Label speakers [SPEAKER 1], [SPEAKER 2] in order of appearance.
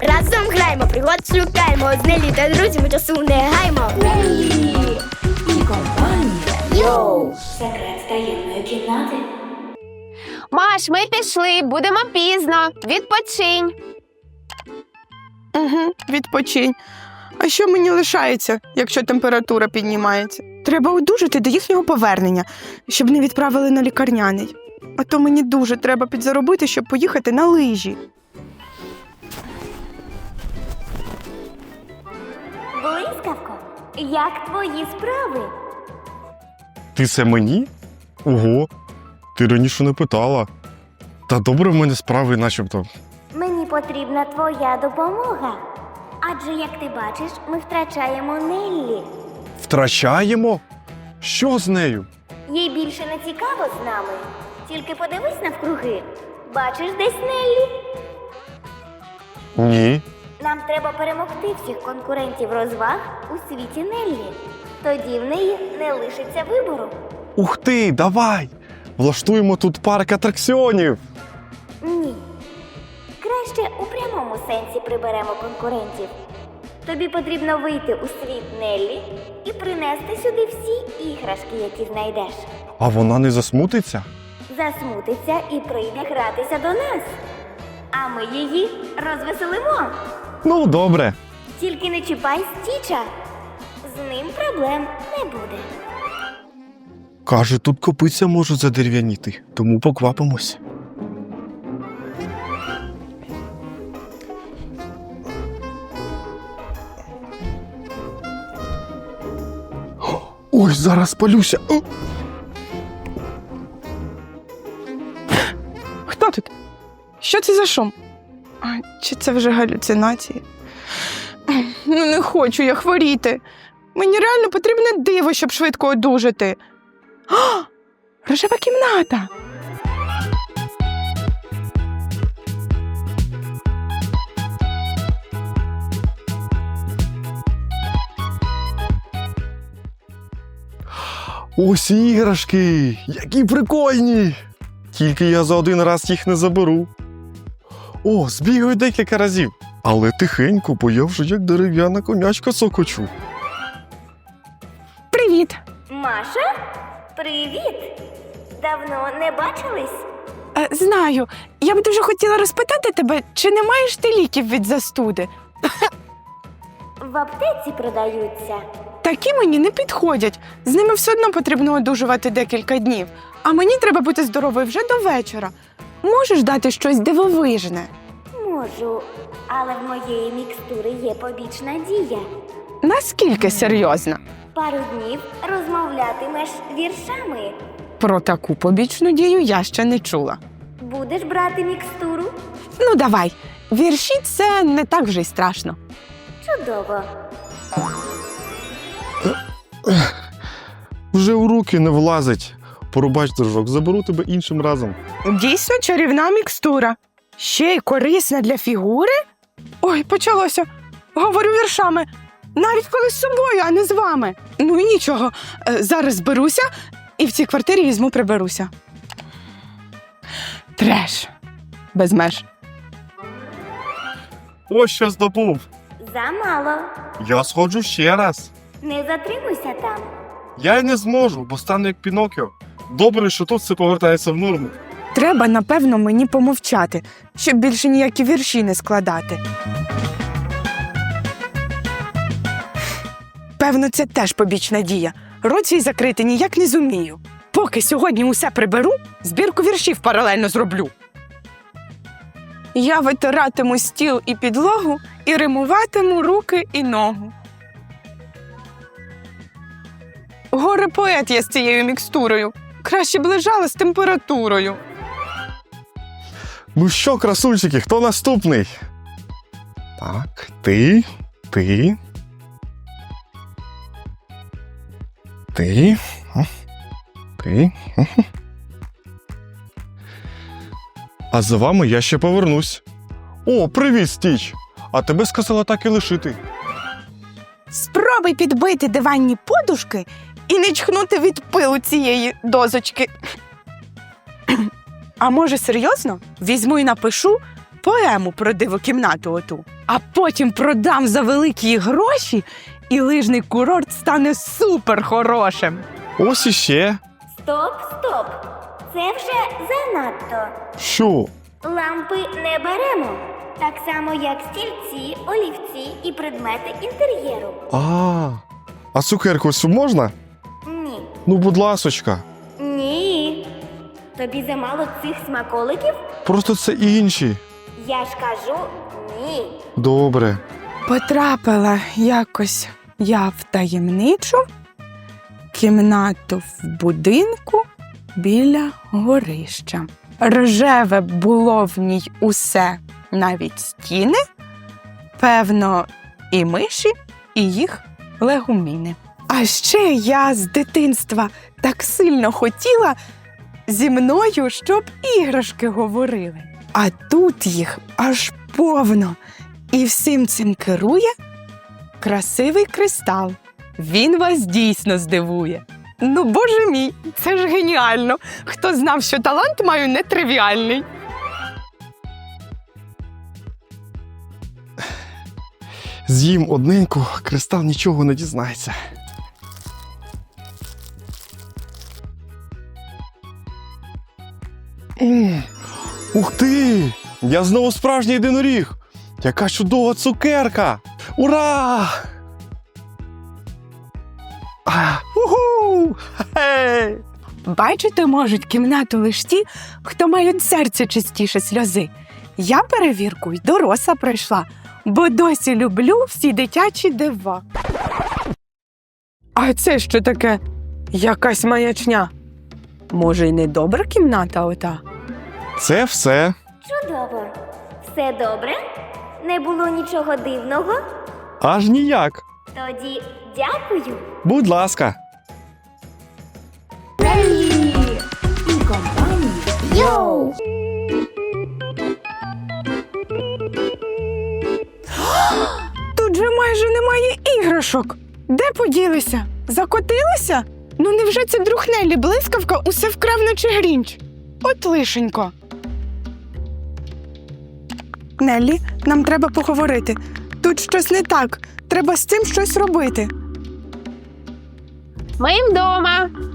[SPEAKER 1] Разом граємо, пригод шукаємо. З Неллі та друзями часу не гаймо.
[SPEAKER 2] Неллі і компанія. Йоу! Секрет таємної кімнати.
[SPEAKER 3] Маш, ми пішли, будемо пізно. Відпочинь.
[SPEAKER 4] Угу, відпочинь. А що мені лишається, якщо температура піднімається? Треба одужати до їхнього повернення, щоб не відправили на лікарняний. А то мені дуже треба підзаробити, щоб поїхати на лижі.
[SPEAKER 1] Блискавко, як твої справи?
[SPEAKER 5] Ти це мені? Ого, ти раніше не питала. Та добре в мене справи начебто.
[SPEAKER 1] Мені потрібна твоя допомога. Адже, як ти бачиш, ми втрачаємо Неллі.
[SPEAKER 5] Втрачаємо? Що з нею?
[SPEAKER 1] Їй більше не цікаво з нами. Тільки подивись навкруги. Бачиш десь Неллі?
[SPEAKER 5] Ні.
[SPEAKER 1] Нам треба перемогти всіх конкурентів розваг у світі Неллі. Тоді в неї не лишиться вибору.
[SPEAKER 5] Ух ти, давай! Влаштуємо тут парк атракціонів.
[SPEAKER 1] Ні. Краще у прямому сенсі приберемо конкурентів. Тобі потрібно вийти у світ Неллі і принести сюди всі іграшки, які знайдеш.
[SPEAKER 5] А вона не засмутиться?
[SPEAKER 1] Засмутиться і прийде гратися до нас. А ми її розвеселимо.
[SPEAKER 5] Ну, добре.
[SPEAKER 1] Тільки не чіпай Стіча. З ним проблем не буде.
[SPEAKER 5] Каже, тут копиця може задерев'яніти, тому поквапимось. Ой, зараз спалюся.
[SPEAKER 4] Хто тут? Що це за шум? А, чи це вже галюцинації? Ну, не хочу я хворіти. Мені реально потрібне диво, щоб швидко одужати. А! Рожева кімната!
[SPEAKER 5] Ось іграшки! Які прикольні! Тільки я за один раз їх не заберу. О, збігаю декілька разів. Але тихенько, бо я вже як дерев'яна конячка сокочу.
[SPEAKER 4] Привіт!
[SPEAKER 1] Маша? Привіт! Давно не бачились?
[SPEAKER 4] Знаю, я б дуже хотіла розпитати тебе, чи не маєш ти ліків від застуди?
[SPEAKER 1] В аптеці продаються.
[SPEAKER 4] Такі мені не підходять. З ними все одно потрібно одужувати декілька днів. А мені треба бути здоровою вже до вечора. Можеш дати щось дивовижне?
[SPEAKER 1] Можу, але в моєї мікстури є побічна дія.
[SPEAKER 4] Наскільки серйозно?
[SPEAKER 1] Пару днів розмовлятимеш віршами.
[SPEAKER 4] Про таку побічну дію я ще не чула.
[SPEAKER 1] Будеш брати мікстуру?
[SPEAKER 4] Ну, давай. Вірші – це не так вже й страшно.
[SPEAKER 1] Чудово.
[SPEAKER 5] Вже у руки не влазить. Порубач, дружок, заберу тебе іншим разом.
[SPEAKER 4] Дійсно чарівна мікстура. Ще й корисна для фігури? Ой, почалося. Говорю віршами. Навіть коли з собою, а не з вами. Ну і нічого. Зараз зберуся і в цій квартирі візьму приберуся. Треш. Без меж.
[SPEAKER 5] Ось що здобув.
[SPEAKER 1] Замало.
[SPEAKER 5] Я сходжу ще раз.
[SPEAKER 1] Не затримуйся там.
[SPEAKER 5] Я й не зможу, бо стану як Пінокіо. Добре, що тут все повертається в норму.
[SPEAKER 4] Треба, напевно, мені помовчати, щоб більше ніякі вірші не складати. Певно, це теж побічна дія. Рот свій закрити ніяк не зумію. Поки сьогодні усе приберу, збірку віршів паралельно зроблю. Я витиратиму стіл і підлогу і римуватиму руки і ногу. Горе-поет я з цією мікстурою. Краще б лежала з температурою.
[SPEAKER 5] Ну що, красунчики, хто наступний? Так, ти. Ти. А за вами я ще повернусь. О, привіт, Стіч! А тебе сказала так і лишити.
[SPEAKER 4] Спробуй підбити диванні подушки і не чхнути від пилу цієї дозочки. А може, серйозно? Візьму і напишу поему про дивокімнату оту, а потім продам за великі гроші, і лижний курорт стане супер хорошим.
[SPEAKER 5] Ось іще.
[SPEAKER 1] Стоп, стоп. Це вже занадто.
[SPEAKER 5] Що?
[SPEAKER 1] Лампи не беремо. Так само, як стільці, олівці і предмети інтер'єру.
[SPEAKER 5] А цукерку ось можна?
[SPEAKER 1] Ні.
[SPEAKER 5] Ну, будь ласочка.
[SPEAKER 1] Ні. Тобі замало цих смаколиків?
[SPEAKER 5] Просто це інші.
[SPEAKER 1] Я ж кажу ні.
[SPEAKER 5] Добре.
[SPEAKER 4] Потрапила якось я в таємничу кімнату в будинку біля горища. Рожеве було в ній усе, навіть стіни, певно, і миші, і їх легуміни. А ще я з дитинства так сильно хотіла зі мною, щоб іграшки говорили. А тут їх аж повно. І всім цим керує красивий кристал. Він вас дійсно здивує. Ну, боже мій, це ж геніально. Хто знав, що талант маю нетривіальний.
[SPEAKER 5] З'їм одненьку, кристал нічого не дізнається. Ух ти! Я знову справжній єдиноріг! Яка чудова цукерка! Ура! Уху! Хе-хей!
[SPEAKER 4] Бачити можуть кімнату лиш ті, хто мають серце чистіше сльози. Я перевірку й доросла пройшла, бо досі люблю всі дитячі дива. А це що таке? Якась маячня. Може, й не добра кімната ота?
[SPEAKER 5] Це все.
[SPEAKER 1] Чудово. Все добре? Не було нічого дивного?
[SPEAKER 5] Аж ніяк.
[SPEAKER 1] Тоді дякую.
[SPEAKER 5] Будь ласка.
[SPEAKER 2] Релі і компанія. Йоу!
[SPEAKER 4] Тут же майже немає іграшок. Де поділися? Закотилися? Ну невже це друг Неллі блискавка усе вкрав, наче Грінч? От лишенько. Неллі, нам треба поговорити. Тут щось не так. Треба з цим щось робити.
[SPEAKER 3] Ми вдома.